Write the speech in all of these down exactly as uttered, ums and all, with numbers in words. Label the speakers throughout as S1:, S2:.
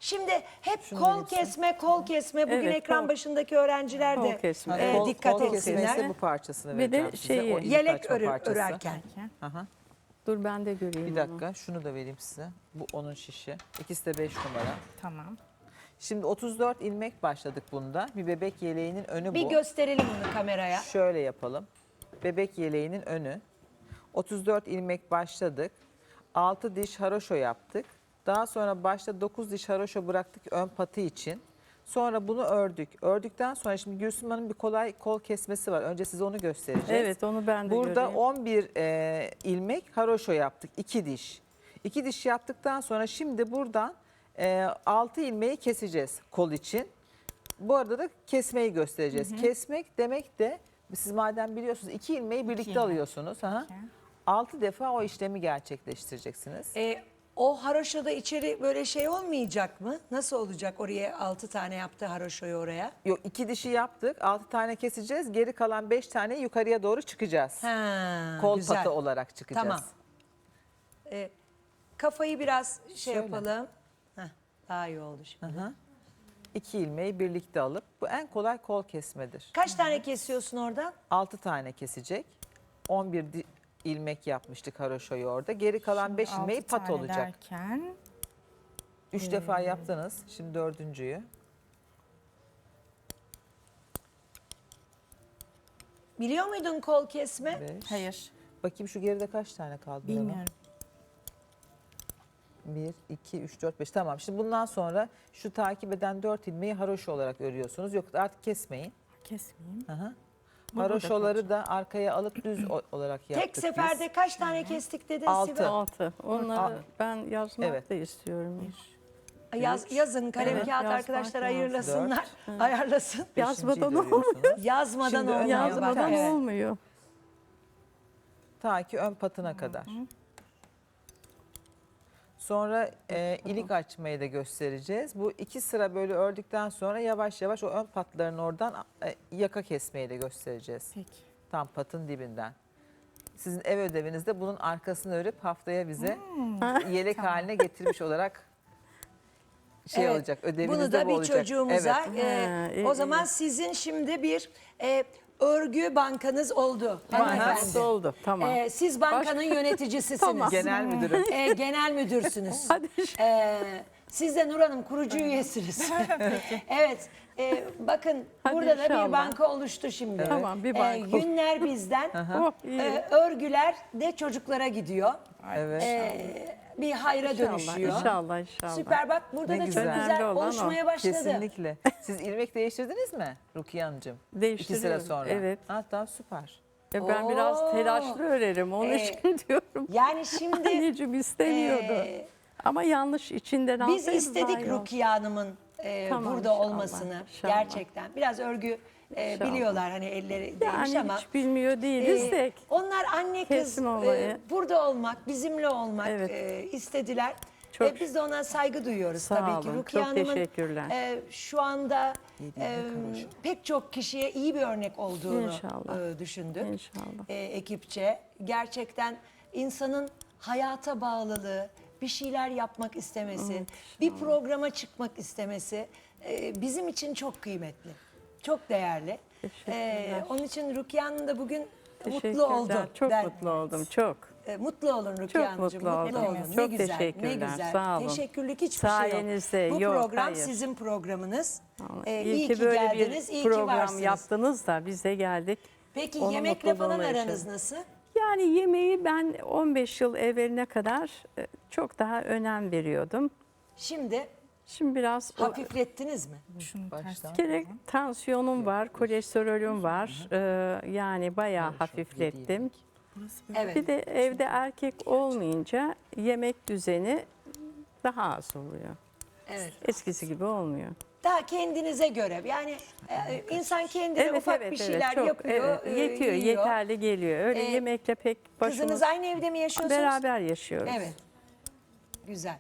S1: Şimdi hep
S2: Şunu
S1: kol
S2: verirsin.
S1: kesme, kol kesme. Bugün
S3: Evet,
S1: ekran
S3: kol-
S1: başındaki öğrenciler
S3: kol
S1: de
S3: kesme.
S1: e,
S2: Kol-
S1: dikkat
S2: kol kesme
S1: etsinler.
S2: ise bu parçasını
S3: Bir de
S2: vereceğim size.
S3: şeyi-
S2: O ilik
S1: Yelek
S2: açma
S1: örü-
S2: parçası.
S1: örerken.
S2: Aha.
S3: Dur ben de göreyim
S2: Bir
S3: onu.
S2: dakika şunu da vereyim size. Bu onun şişi. İkisi de beş numara.
S4: Tamam.
S2: Şimdi otuz dört ilmek başladık bunda. Bir bebek yeleğinin önü
S1: Bir
S2: bu.
S1: gösterelim bunu kameraya.
S2: Şöyle yapalım. Bebek yeleğinin önü. otuz dört ilmek başladık. altı diş haroşo yaptık. Daha sonra başta dokuz diş haroşo bıraktık ön patı için. Sonra bunu ördük. Ördükten sonra şimdi Gülsüm Hanım bir kolay kol kesmesi var. Önce size onu göstereceğiz.
S3: Evet onu ben de
S2: Burada
S3: göreyim.
S2: on bir e, ilmek haroşo yaptık. iki diş. iki diş yaptıktan sonra şimdi buradan e, altı ilmeği keseceğiz kol için. Bu arada da kesmeyi göstereceğiz. Kesmek demek de siz madem biliyorsunuz iki ilmeği birlikte
S4: ilmek.
S2: alıyorsunuz. Aha.
S4: Peki.
S2: altı defa o işlemi gerçekleştireceksiniz.
S1: E, o haroşoda içeri böyle şey olmayacak mı? Nasıl olacak oraya altı tane yaptı haroşoyu oraya?
S2: Yok iki dişi yaptık. altı tane keseceğiz. Geri kalan beş tane yukarıya doğru çıkacağız.
S1: Ha,
S2: Kol
S1: güzel.
S2: patı olarak çıkacağız.
S1: Tamam. E, kafayı biraz şey
S2: Şöyle.
S1: yapalım. Heh, daha iyi oldu şimdi.
S2: Aha. İki ilmeği birlikte alıp bu en kolay kol kesmedir.
S1: Kaç tane kesiyorsun oradan?
S2: altı tane kesecek. on bir di- ilmek yapmıştık haroşoyu orada. Geri kalan beş ilmeği
S4: Altı
S2: pat
S4: tane
S2: olacak.
S4: Derken
S2: üç defa yaptınız. Şimdi dördüncüyü.
S1: Biliyor muydun kol kesme?
S2: beş.
S4: hayır
S2: Bakayım şu geride kaç tane kaldı? Nurhan?
S4: bilmiyorum.
S2: bir, iki, üç, dört, beş. Tamam. Şimdi bundan sonra şu takip eden dört ilmeği haroşo olarak örüyorsunuz. Yok artık kesmeyin.
S4: Kesmeyeyim.
S2: Aha.
S4: Bu burada
S2: Haroşoları da arkaya alıp düz o- olarak yaptık
S1: Tek seferde
S2: biz.
S1: kaç tane kestik dedin
S2: Altı.
S1: Sibel?
S3: Altı. Onları
S2: Al-
S3: ben yazmak
S2: Evet.
S3: da istiyorum.
S1: Yaz, yazın kalem
S3: Evet,
S1: kağıt
S3: yazmak
S1: arkadaşlar
S3: lazım.
S1: ayırlasınlar, ayarlasın.
S3: Yazmadan
S2: Beşinciyi de
S3: olmuyor.
S2: örüyorsunuz.
S1: Yazmadan
S2: Şimdi
S1: olmuyor.
S2: önden
S1: bak,
S3: Yazmadan
S1: evet.
S3: olmuyor.
S2: Ta ki ön patına kadar. Sonra e, ilik açmayı da göstereceğiz. Bu iki sıra böyle ördükten sonra yavaş yavaş o ön patların oradan e, yaka kesmeyi de göstereceğiz.
S4: Peki.
S2: Tam patın dibinden. Sizin ev ödevinizde bunun arkasını örüp haftaya bize yelek haline getirmiş olarak şey
S1: Evet,
S2: olacak. Ödeviniz
S1: Bunu
S2: de
S1: da
S2: bu
S1: bir
S2: olacak.
S1: çocuğumuza.
S2: Evet.
S1: e,
S3: Ha, iyi,
S1: o zaman
S3: iyi.
S1: sizin şimdi bir e, örgü bankanız oldu.
S3: Bankası
S1: hanımefendi.
S3: oldu. Tamam.
S1: E, siz bankanın yöneticisisiniz.
S3: Tamam.
S2: Genel müdürüm.
S1: E, genel müdürsünüz.
S3: Hadi.
S1: E, siz de Nur Hanım kurucu üyesiniz. evet. e, bakın
S3: Hadi
S1: burada da bir
S3: inşallah.
S1: banka oluştu şimdi.
S3: Tamam, bir
S1: E,
S3: banka.
S1: günler bizden.
S3: Oh, iyi.
S1: e, örgüler de çocuklara gidiyor.
S2: Evet.
S1: E, bir hayra
S3: İnşallah,
S1: dönüşüyor.
S3: inşallah, inşallah.
S1: Süper, bak burada
S2: Ne
S1: da
S2: güzel.
S1: çok
S3: Önemli
S1: güzel
S3: olan o.
S1: oluşmaya başladı.
S2: Kesinlikle. Siz ilmek değiştirdiniz mi Rukiye Hanımcığım? İki sıra
S3: Değiştiriyorum,
S2: sonra.
S3: evet.
S2: Hatta süper.
S3: E, ben
S1: Oo.
S3: biraz telaşlı örerim. Onun
S1: Ee,
S3: için diyorum.
S1: Yani şimdi
S3: Anneciğim istemiyordu.
S1: e,
S3: Ama yanlış içinden
S1: biz
S3: alsaydı daha
S1: istedik
S3: iyi olurdu.
S1: Rukiye Hanım'ın e,
S3: Tamam,
S1: burada
S3: inşallah,
S1: olmasını
S3: inşallah.
S1: gerçekten. Biraz örgü e,
S3: İnşallah.
S1: biliyorlar hani elleri değmiş
S3: Yani
S1: ama.
S3: hiç bilmiyor değiliz
S1: e,
S3: de.
S1: onlar anne kız
S3: Kesin olmayı.
S1: e, burada olmak, bizimle olmak
S3: Evet.
S1: e, istediler.
S3: Çok-
S1: E, biz de ona saygı duyuyoruz
S3: Sağ
S1: tabii ki.
S3: olun,
S1: Rukiye
S3: çok
S1: Hanım'ın
S3: teşekkürler.
S1: e, şu anda
S2: Yediğinde
S1: e,
S2: karışık.
S1: pek çok kişiye iyi bir örnek olduğunu
S3: İnşallah.
S1: e, düşündük.
S3: İnşallah.
S1: E, ekipçe. Gerçekten insanın hayata bağlılığı, bir şeyler yapmak istemesi, bir programa çıkmak istemesi e, bizim için çok kıymetli, çok değerli.
S3: Teşekkürler.
S1: onun için Rukiye Hanım da bugün mutlu
S3: Teşekkürler.
S1: oldu.
S3: Çok
S1: Ben-
S3: mutlu oldum. Çok.
S1: E, mutlu olun Rukiye
S3: Çok
S1: Hanımcığım,
S3: mutlu
S1: mutlu
S3: oldum.
S1: olun. Ne
S3: Çok
S1: güzel, ne
S3: teşekkürler,
S1: güzel.
S3: sağ olun.
S1: Teşekkürlük hiçbir şey
S3: Sayenizde,
S1: yok. Bu
S3: yok,
S1: program
S3: hayır.
S1: sizin programınız.
S3: Ama
S1: E,
S3: iyi,
S1: iyi
S3: ki
S1: ki
S3: böyle
S1: geldiniz,
S3: bir
S1: iyi ki
S3: program
S1: varsınız.
S3: yaptınız da biz de geldik.
S1: Peki
S3: Onun
S1: yemekle falan
S3: mutluluğunu
S1: aranız
S3: yaşadım.
S1: nasıl?
S3: Yani yemeği ben on beş yıl evveline kadar e, çok daha önem veriyordum.
S1: Şimdi
S3: Şimdi biraz o-
S1: hafiflettiniz mi?
S4: Şunu
S2: Baştan.
S4: ters
S3: gerek tansiyonum var, kolesterolüm var. Ee, yani bayağı hafiflettim.
S4: burası böyle.
S1: Evet.
S3: Bir de evde erkek olmayınca yemek düzeni daha az oluyor.
S1: Evet.
S3: Eskisi gibi olmuyor.
S1: Daha kendinize göre yani e, insan kendine
S3: Evet
S1: ufak
S3: evet
S1: bir
S3: evet
S1: şeyler
S3: çok
S1: yapıyor,
S3: evet,
S1: e,
S3: yetiyor,
S1: yiyor.
S3: yeterli geliyor. Öyle
S1: Ee,
S3: yemekle pek başımız
S1: Kızınız aynı evde mi yaşıyorsunuz?
S3: beraber yaşıyoruz.
S1: Evet. Güzel.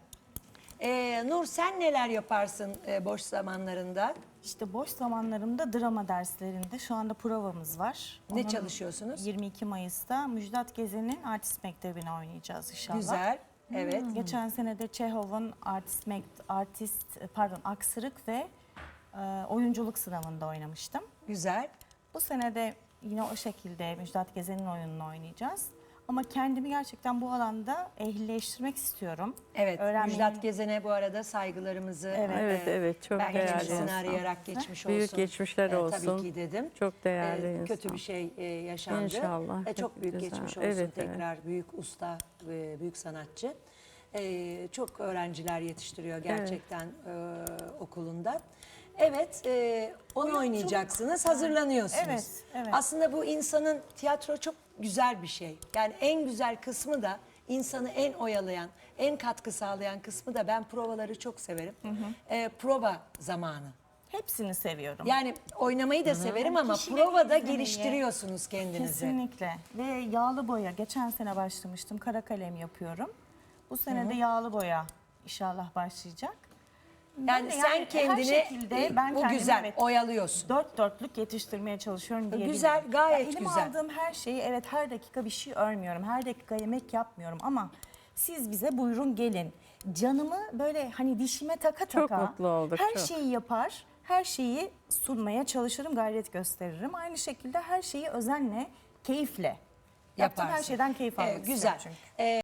S1: Ee, Nur sen neler yaparsın e, boş zamanlarında?
S4: İşte boş zamanlarımda drama derslerinde şu anda provamız var.
S1: Ne
S4: Onun
S1: çalışıyorsunuz?
S4: yirmi iki Mayıs'ta Müjdat Gezen'in Artist Mektebi'ni oynayacağız inşallah.
S1: Güzel. Evet.
S4: Geçen sene de Çehov'un artist, mek- artist pardon aksırık ve e, oyunculuk sınavında oynamıştım.
S1: Güzel.
S4: Bu sene de yine o şekilde Müjdat Gezen'in oyununu oynayacağız. Ama kendimi gerçekten bu alanda ehlileştirmek istiyorum.
S1: Evet.
S4: Öğrenmeyi-
S1: Müjdat Gezen'e bu arada saygılarımızı
S4: Evet.
S3: Evet, evet, çok
S1: ben
S3: değerli
S1: geçmişini
S3: insan.
S1: arayarak geçmiş
S3: Büyük
S1: olsun.
S3: geçmişler
S1: Ee,
S3: olsun.
S1: Tabii ki dedim.
S3: Çok değerli
S1: Ee,
S3: insan.
S1: Kötü bir şey e, yaşandı.
S3: İnşallah,
S1: Ee, çok
S3: çok
S1: büyük
S3: güzel.
S1: geçmiş olsun
S3: Evet, evet.
S1: tekrar. Büyük usta, ve büyük sanatçı. Ee, çok öğrenciler yetiştiriyor gerçekten e, okulunda. Evet, e, onu
S4: Oyunculuk.
S1: oynayacaksınız, hazırlanıyorsunuz.
S4: Evet, evet.
S1: Aslında bu insanın, tiyatro çok güzel bir şey. Yani en güzel kısmı da, insanı en oyalayan, en katkı sağlayan kısmı da, ben provaları çok severim. Ee, prova zamanı.
S4: Hepsini seviyorum.
S1: Yani oynamayı da severim ama
S4: Kişileri
S1: provada
S4: izlemeyi,
S1: geliştiriyorsunuz kendinizi.
S4: Kesinlikle. Ve yağlı boya. Geçen sene başlamıştım. Kara kalem yapıyorum. Bu sene de yağlı boya inşallah başlayacak.
S1: Yani
S4: Böyle
S1: sen
S4: her
S1: kendini
S4: şekilde
S1: e,
S4: ben
S1: bu
S4: kendimi,
S1: güzel
S4: evet,
S1: oyalıyorsun.
S4: dört dörtlük yetiştirmeye çalışıyorum diyebilirim.
S1: Güzel, gayet
S4: elime
S1: güzel.
S4: aldığım her şeyi, evet, her dakika bir şey örmüyorum. Her dakika yemek yapmıyorum ama siz bize buyurun gelin. Canımı böyle hani dişime taka
S3: Çok
S4: taka
S3: mutlu olduk,
S4: her
S3: çok.
S4: şeyi yapar. Her şeyi sunmaya çalışırım, gayret gösteririm. Aynı şekilde her şeyi özenle, keyifle. Yaptığım her
S1: Yaparsın.
S4: şeyden keyif almak
S1: Ee,
S4: istiyorum
S1: güzel.
S4: çünkü.
S1: Ee,